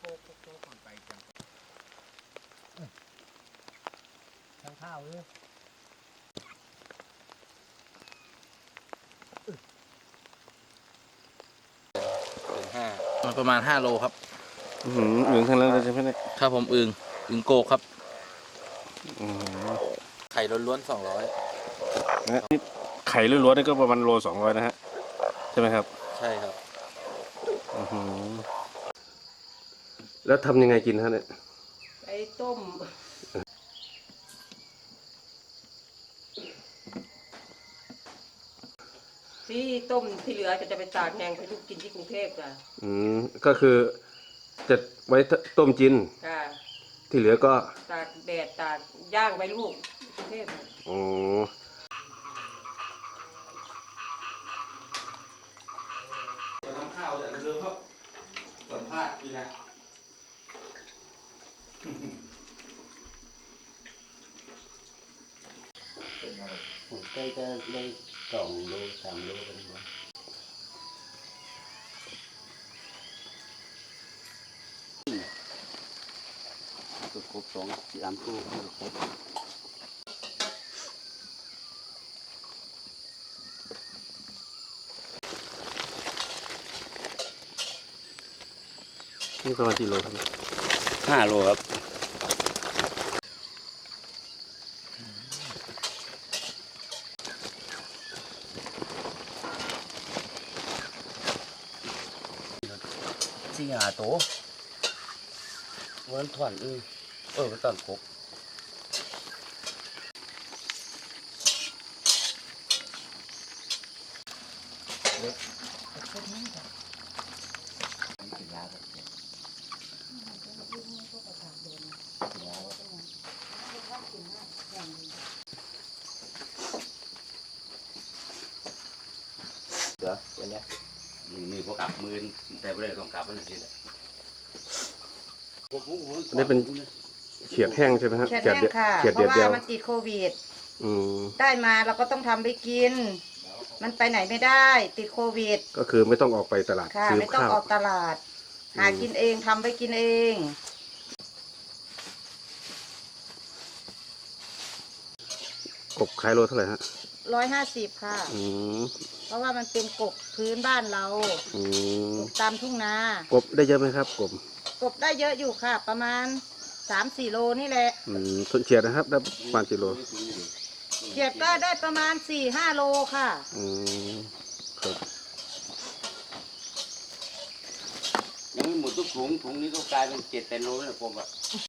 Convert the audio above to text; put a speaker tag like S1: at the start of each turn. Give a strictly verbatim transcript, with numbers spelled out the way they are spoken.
S1: ทางข้าวเลย
S2: ห้ามันประมาณห้าโลครับ
S3: อือหืออึ่งทั้งนั้นเลยใช่ไหมเนี่ย
S2: ครับผมอึงอึงโกกครับ
S3: อือ
S2: ไข่ล้วนๆสองร้อย
S3: นะนี่ไข่ล้วนๆนี่ก็ประมาณโลสองร้อยนะฮะใช่ไหมครับ
S2: ใช่ครับ
S3: อือหือแล้วทำยังไงกินฮะเนี่ย
S4: ไอ้ต้มที่ต้มที่เหลือจะจะไปตากแห้งให้ลูกกินที่กรุงเทพจ้ะ
S3: อืมก็คือจะไว้ต้มกิน
S4: ค่ะ
S3: ที่เหลือก็
S4: ตากแดดตากย่างไปลูกกรุงเทพ
S3: อ๋อ
S2: ทำข้าวแต่เรือครับสัมภาษณ์นี่นะ
S1: ผมใกล้จะได้สองโลสามโลกันบ้างตัวครบสองสามตัวครบ
S3: นี่ประมาณกี่โลครับ
S1: ห้าโลครับสี่หาตัววันถอนอือเออมันตอนครบเหรอวันนี้มือพวกกลับมือแต่ไม่ได้ต้องกลับมันสิแหละ
S3: อันนี้เป็นเขียดแห้งใช่ไหมฮะ
S4: เขียดแห้งค่ะ
S3: เขียด
S4: เพ
S3: เดีย
S4: ราะ
S3: วเดียว
S4: ว่ามันติดโควิด
S3: อืม
S4: ได้มาเราก็ต้องทำไปกิน มันไปไหนไม่ได้ ติดโควิด
S3: ก็คือไม่ต้องออกไปตลาด
S4: ค่ะ
S3: ซื้อ
S4: ไม่ต้อง
S3: ข้าว
S4: ออกตลาด หากินเองทำไปกินเอง
S3: กบขายโลเท่าไหร่ฮะ
S4: ร้อยห้าสิบค่ะ
S3: อืม
S4: เพราะว่ามันเป็นกบพื้นบ้านเรา
S3: อืม
S4: กบตามทุ่งนา
S3: กบได้เยอะไหมครับกบ
S4: กบได้เยอะอยู่ค่ะ ประมาณสามสี่โลนี่แหละ
S3: อืมส่วนเฉียดนะครับได้ประมาณกี่โล
S4: เขียดก็ได้ประมาณสี่ห้าโลค่ะ
S3: อืมครับ
S1: ยังไม่หมดทุกถุงถุงนี้ก็กลายเป็นเจ็ดแปดโลแล้วผมอ่ะ